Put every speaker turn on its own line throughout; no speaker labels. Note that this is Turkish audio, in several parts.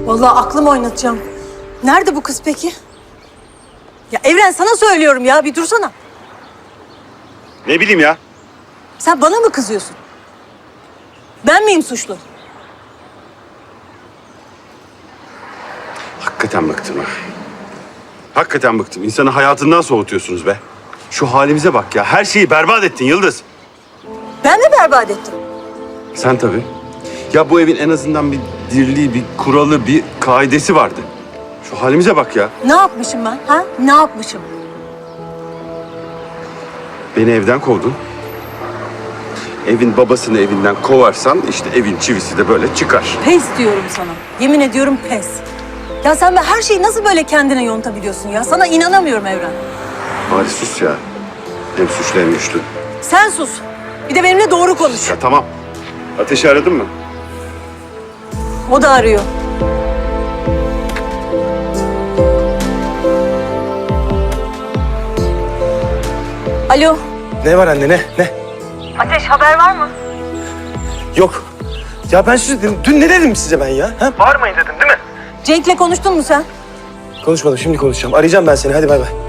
Vallahi aklımı oynatacağım. Nerede bu kız peki? Ya Evren sana söylüyorum ya, bir dursana.
Ne bileyim ya.
Sen bana mı kızıyorsun? Ben miyim suçlu?
Hakikaten bıktım ha. Hakikaten bıktım. İnsanı hayatından soğutuyorsunuz be. Şu halimize bak ya. Her şeyi berbat ettin Yıldız.
Ben mi berbat ettim?
Sen tabii. Ya bu evin en azından bir dirliği, bir kuralı, bir kaidesi vardı. Şu halimize bak ya.
Ne yapmışım ben? Ha? Ne yapmışım?
Beni evden kovdun. Evin babasını evinden kovarsan işte evin çivisi de böyle çıkar.
Pes diyorum sana. Yemin ediyorum pes. Ya sen her şeyi nasıl böyle kendine yontabiliyorsun ya? Sana inanamıyorum Evren.
Bari sus ya. Hem suçlu hem güçlü.
Sen sus. Bir de benimle doğru konuş.
Ya tamam. Ateşi aradın mı?
O da arıyor. Alo.
Ne var anne ne?
Ateş, haber var mı?
Yok. Ya ben size dün ne dedim size ben ya? Ha? Bağırmayın dedim değil mi?
Cenk'le konuştun mu sen?
Konuşmadım şimdi konuşacağım. Arayacağım ben seni hadi bay bay.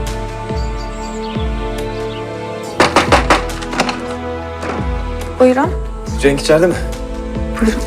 Buyurun.
Cenk içeride mi?
Buyurun.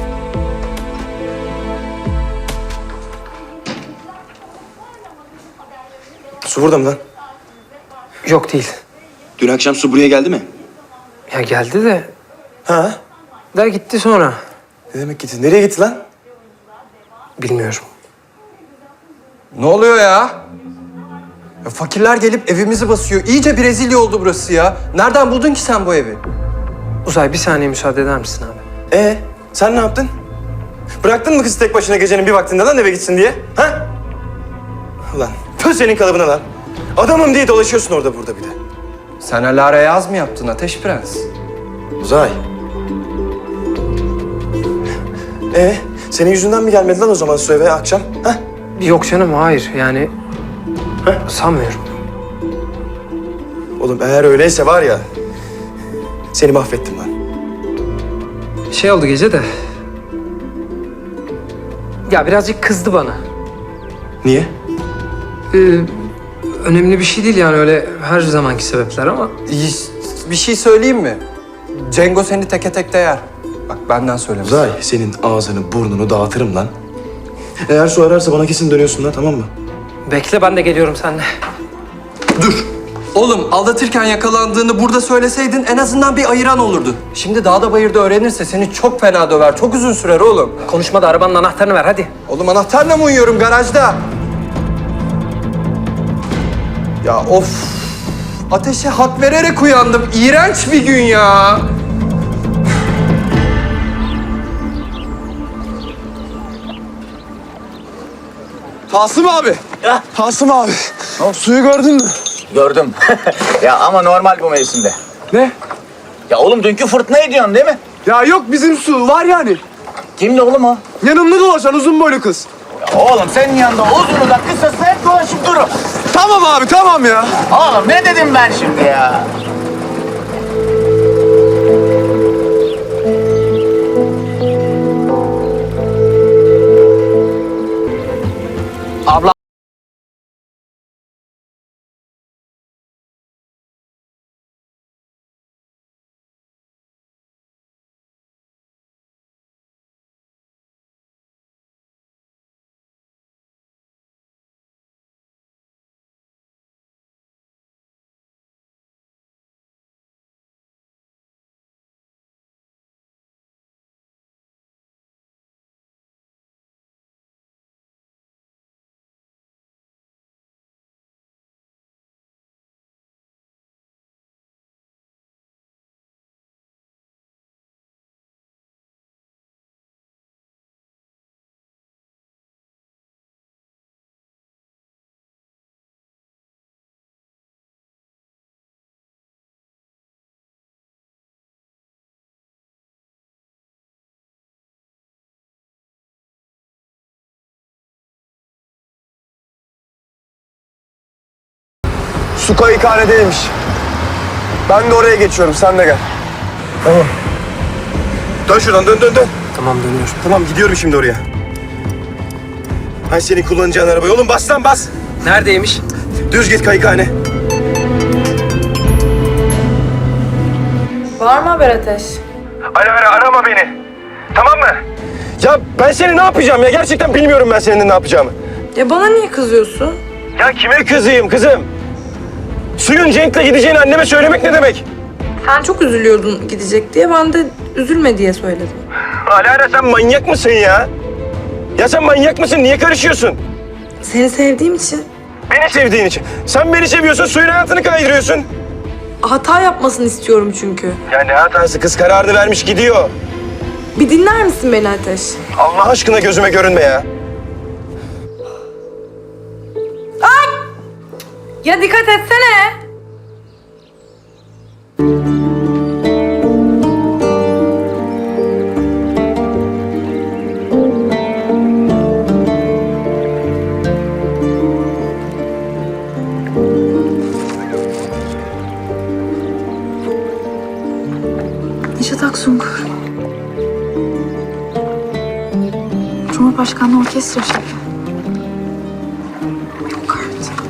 Su burada mı lan?
Yok değil.
Dün akşam Su buraya geldi mi?
Ya geldi de
Ha?
gitti sonra.
Ne demek gitti? Nereye gitti lan?
Bilmiyorum.
Ne oluyor ya? Ya fakirler gelip evimizi basıyor. İyice Brezilya oldu burası ya. Nereden buldun ki sen bu evi?
Uzay bir saniye müsaade eder misin abi?
Sen ne yaptın? Bıraktın mı kızı tek başına gecenin bir vaktinde lan eve gitsin diye? Ha? Ulan tüh senin kalıbına lan. Adamım diye dolaşıyorsun orada burada bir de.
Sen Alara yaz mı yaptın Ateş Prens?
Uzay. Senin yüzünden mi gelmedi lan o zaman su eve akşam? Ha?
Yok canım hayır yani sanmıyorum.
Oğlum eğer öyleyse var ya seni mahvettim lan.
Şey oldu gece de. Ya birazcık kızdı bana.
Niye?
Önemli bir şey değil yani öyle her zamanki sebepler ama.
Bir şey söyleyeyim mi? Cengo seni teke tek yer. Bak benden söylemiş.
Uzay senin ağzını burnunu dağıtırım lan. Eğer su ararsa bana kesin dönüyorsun lan tamam mı?
Bekle ben de geliyorum seninle.
Dur. Oğlum aldatırken yakalandığını burada söyleseydin en azından bir ayıran olurdu. Şimdi dağda bayırda öğrenirse seni çok fena döver. Çok uzun sürer oğlum.
Konuşma da arabanın anahtarını ver hadi.
Oğlum anahtarla mı uyuyorum garajda? Ya of. Ateşe hak vererek uyandım. İğrenç bir gün ya.
Tasım abi.
Ya.
Tasım abi. Suyu gördün mü?
Gördüm. Ya ama normal bu mevsimde.
Ne?
Ya oğlum dünkü fırtınayı diyorsun değil mi?
Ya yok bizim su var yani.
Kimdi oğlum o?
Yanımda dolaşan uzun boylu kız.
Ya oğlum senin yanında uzunu da kısası hep dolaşıp durur.
Tamam abi tamam ya.
Oğlum ne dedim ben şimdi ya? Abla.
Su kayıkhanedeymiş. Ben de oraya geçiyorum sen de gel. Tamam. Dön şuradan dön.
Tamam dönüyorum.
Tamam gidiyorum şimdi oraya. Hay senin kullanacağın arabayı. Oğlum bas lan bas.
Neredeymiş?
Düz git kayıkhane.
Var mı haber Ateş?
Ara arama beni. Tamam mı? Ya ben seni ne yapacağım ya? Gerçekten bilmiyorum ben senin ne yapacağımı.
Ya bana niye kızıyorsun?
Ya kime kızayım kızım? Suyun Cenk'le gideceğini anneme söylemek ne demek?
Sen çok üzülüyordun gidecek diye. Ben de üzülme diye söyledim.
Alara sen manyak mısın ya? Ya sen manyak mısın? Niye karışıyorsun?
Seni sevdiğim için
Beni sevdiğin için. Sen beni seviyorsun, suyun hayatını kaydırıyorsun.
hata yapmasını istiyorum çünkü.
Ya ne hatası? Kız kararını vermiş gidiyor.
Bir dinler misin beni Ateş?
Allah aşkına gözüme görünme ya.
Ya dikkat etsene.
Neşet Aksungur. Cumhurbaşkanlığı Orkestra Şefi. Yok artık.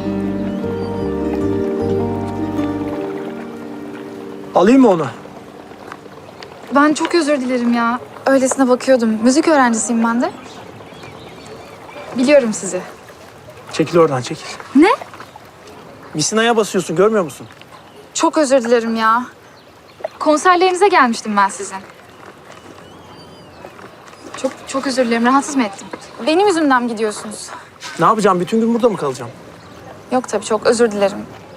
Alayım mı onu?
Ben çok özür dilerim ya. Öylesine bakıyordum. Müzik öğrencisiyim ben de. Biliyorum sizi.
Çekil oradan çekil.
Ne?
Misina'ya basıyorsun görmüyor musun?
Çok özür dilerim ya. Konserlerinize gelmiştim ben sizin. Çok özür dilerim. Rahatsız mı ettim? Benim yüzümden mi gidiyorsunuz?
Ne yapacağım? Bütün gün burada mı kalacağım?
Yok tabii çok özür dilerim.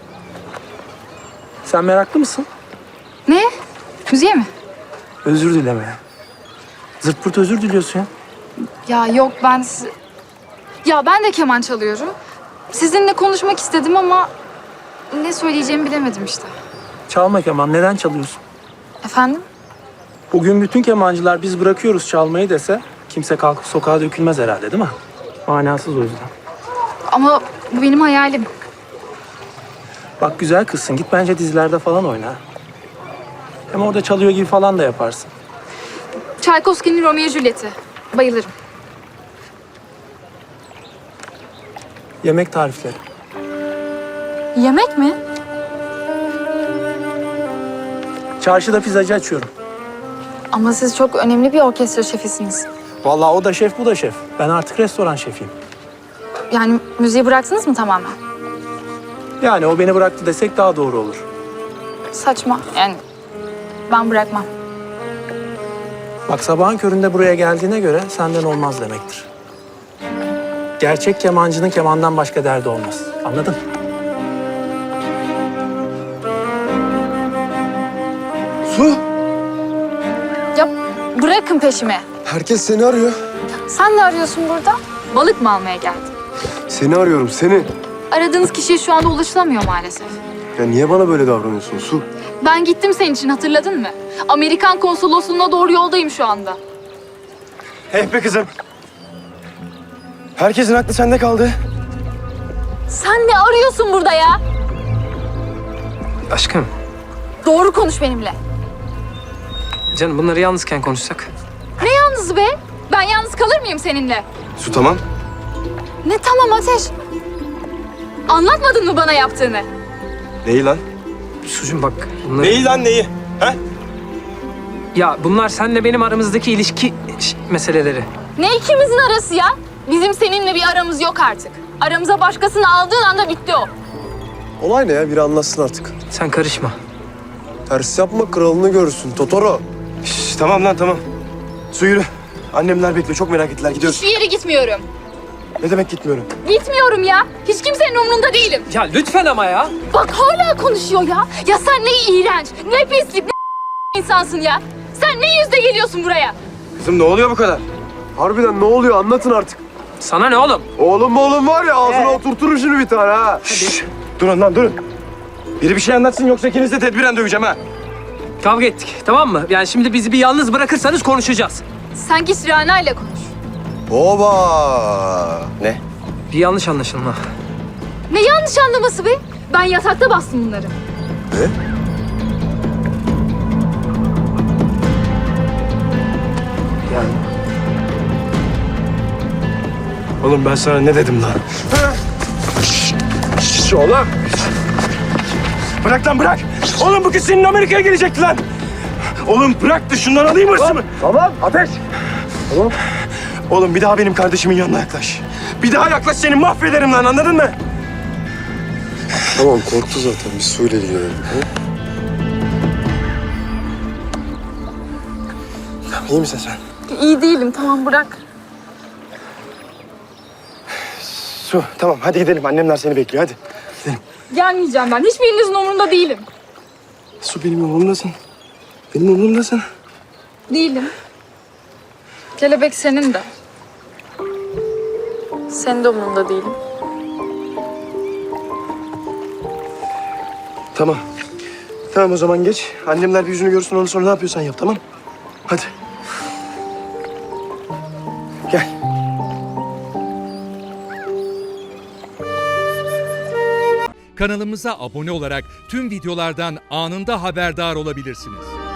Sen meraklı mısın?
Ne? Müziğe mi?
Özür dileme. Zırt pırt özür diliyorsun ya.
Ya yok Ya ben de keman çalıyorum. Sizinle konuşmak istedim ama ne söyleyeceğimi bilemedim işte.
Çalma keman. Neden çalıyorsun?
Efendim?
Bugün bütün kemancılar biz bırakıyoruz çalmayı dese kimse kalkıp sokağa dökülmez herhalde değil mi? Manasız o yüzden.
Ama bu benim hayalim.
Bak güzel kızsın. Git bence dizilerde falan oyna. Hem orada çalıyor gibi falan da yaparsın.
Tchaikovsky'nin Romeo Juliet'i. Bayılırım.
Yemek tarifleri.
Yemek mi?
Çarşıda pizzacı açıyorum.
Ama siz çok önemli bir orkestra şefisiniz.
Vallahi o da şef, bu da şef. Ben artık restoran şefiyim.
Yani müziği bıraktınız mı tamamen?
Yani o beni bıraktı desek daha doğru olur.
Saçma. Yani ben bırakmam.
Bak sabahın köründe buraya geldiğine göre senden olmaz demektir. Gerçek kemancının kemandan başka derdi olmaz. Anladın?
Su,
Ya bırakın peşimi.
herkes seni arıyor.
Sen ne arıyorsun burada? Balık mı almaya geldin?
Seni arıyorum, seni.
Aradığınız kişiye şu anda ulaşılamıyor maalesef.
Ya niye bana böyle davranıyorsun Su?
Ben gittim senin için, hatırladın mı? Amerikan konsolosluğuna doğru yoldayım şu anda.
Hey be kızım. Herkesin aklı sende kaldı.
Sen ne arıyorsun burada ya?
Aşkım,
Doğru konuş benimle.
canım bunları yalnızken konuşsak.
Ne yalnız be? Ben yalnız kalır mıyım seninle?
Su tamam.
Ne tamam Ateş? Anlatmadın mı bana yaptığını?
Neyi lan?
Sucum bak bunları...
Neyi lan neyi? Ha?
Ya bunlar seninle benim aramızdaki ilişki meseleleri.
Ne ikimizin arası ya? Bizim seninle bir aramız yok artık. Aramıza başkasını aldığın anda bitti o.
Olay ne ya? Biri anlatsın artık.
Sen karışma.
Ters yapma, kralını görürsün. Totoro.
Şş, tamam lan tamam. Su yürü. Annemler bekliyor. Çok merak ettiler. Gidiyoruz.
Hiçbir yere gitmiyorum.
Ne demek gitmiyorum?
Gitmiyorum ya. Hiç kimsenin umrunda değilim.
Ya lütfen ama ya.
Bak hala konuşuyor ya. Ya sen ne iğrenç, ne pislik, ne insansın ya. Sen ne yüzle geliyorsun buraya?
Kızım ne oluyor bu kadar?
Harbiden ne oluyor? Anlatın artık.
Sana ne oğlum?
Oğlum var ya, ağzına oturturum şunu bir tane ha.
Şşş. Durun lan durun. Biri bir şey anlatsın yoksa ikinizi de tedbiren döveceğim ha.
Kavga ettik, tamam mı? Yani şimdi bizi bir yalnız bırakırsanız konuşacağız.
Sen git Rana ile konuş.
Oba!
Ne?
Bir yanlış anlaşılma.
Ne yanlış anlaması be? Ben yatakta bastım bunları.
Ne?
Yani
Oğlum ben sana ne dedim lan? Oğlum. Bırak lan bırak. Oğlum bu kız senin Amerika'ya gelecekti lan. Oğlum bırak da şundan alayım hırsımı.
Tamam ateş.
Oğlum bir daha benim kardeşimin yanına yaklaş. Bir daha yaklaş seni mahvederim lan anladın mı?
Tamam korktu zaten biz suyla ilgilenelim.
İyi misin sen?
İyi değilim, tamam bırak.
Su tamam hadi gidelim annemler seni bekliyor hadi.
Gelmeyeceğim ben. Hiçbirinizin umurunda değilim.
Su benim umurumdasın. Benim umurumdasın.
Değilim. Kelebek senin de. Senin de umurunda değilim.
Tamam. Tamam o zaman geç. Annemler bir yüzünü görsün ondan sonra ne yapıyorsan yap tamam? Hadi. Gel.
Kanalımıza abone olarak tüm videolardan anında haberdar olabilirsiniz.